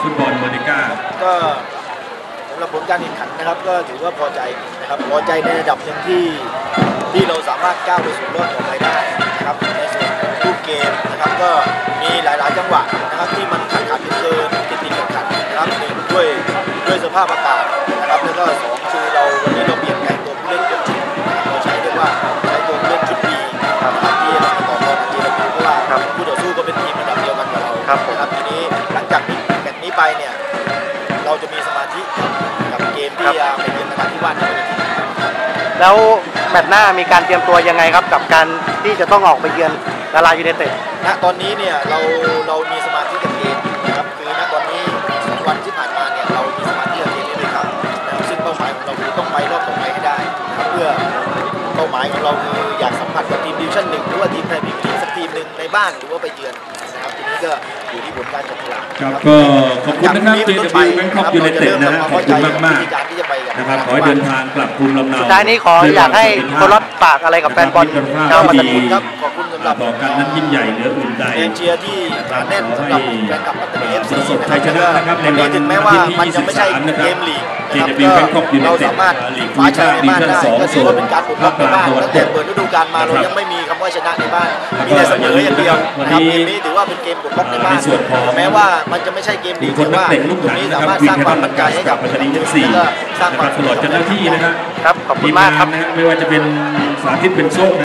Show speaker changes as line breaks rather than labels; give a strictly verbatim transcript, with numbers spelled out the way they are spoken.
ฟุตบอลเมอร์ดิก้า
ก็สำหรับผลการแข่งขันนะครับก็ถือว่าพอใจนะครับพอใจในระดับหนึ่งที่ที่เราสามารถก้าวไปสู่รอบต่อไปได้นะครับในส่วนของรูปเกมนะครับก็มีหลายๆจังหวะนะครับที่มันขัดขัดเกินติดติดขัดขัดนะครับหนึ่งด้วยด้วยสภาพอากาศนะครับแล้วก็สองคือเราวันนี้เราเปลี่ยนแปลงตัวผู้เล่นชุดเราใช้เรียกว่าใช้ตัวผู้เล่นชุดดีนะครับที่เราต่อรองกันทีละทีเพราะว่าผู้ต่อสู้ก็เป็นทีมระดับเดียวกันกับเราครับทีนี้หลังจากแมตช์นี้ไปเนี่ยเราจะมีสมาธิกับเกมที่จะไปเยือนนราธิวาสในวันนี้
แล้วแมตช์หน้ามีการเตรียมตัวยังไงครับกับการที่จะต้องออกไปเยือนนารายูไนเต็ด
ณตอนนี้เนี่ยเราเรามีสมาธิกับเกมนะครับคือณตอนนี้สองวันที่ผ่านมาเนี่ยเรามีสมาธิกับเกมนี้เลยครับซึ่งเป้าหมายของเราคือต้องไปรอบต่อไปให้ได้นะครับเพื่อเป้าหมายของเราคืออยากสัมผัสกับทีมดิวิชั่นหนึ่งหรือว่าทีมไทยพรีเมียร์ลีกสักทีมหนึ่งในบ้านหรือว่าไปเยือนนะครับทีนี้ก็อยู่ที่ผลการจัดกีฬา
ครับก็ขอบคุณนะครับ เจ ดับเบิลยู แบงคอกยูไนเต็ดนะฮะขอบคุณมากมากนะครับขอให้เดินทางกลับภูมิลำเนา
สุดท้ายนี้ขออยากให้โค้ชฝากอะไรกับแฟนบอลชาวปัตตานี
ครับขอบคุณสำหรับ
ต่อกันนั้นยิ่งใหญ่เหนืออื่นใด
เอเชียที่หนาแน่นสำหรับแฟนคลับปัตตานีเอฟซี
ประสบชัยชนะนะครับในวัน
ถึงแม้ว่ามันจะไม่ใช่เกมลีก
เจ ดับเบิลยู แบงคอกยูไนเต็ด
เราสามารถคว้าชัยในบ้านได้ก็ถือว่าเป็นการปลุกปั้นในบ้านตั้งแต่เปิดฤดูกาลมาเรายังไม่มีคำว่าชนะในบ้านมีแต่เสมออย่างเดียวนะครับเกมนี้ถือว่าเป็นเกมปลุกปั้นในบ้านแม้ว่ามันจะไม่ใช่เกมลีกแต่ว่าตรงนี้สามารถสร้างความมั่นใจให้กับ
ปัตตานีเอฟซี
สร้างความ
ตลอดเจ้าหน้าที่นะครับ
ครับขอบคุณมากครับ
ไม่ว่าจะเป็นสาธิตเป็นโชค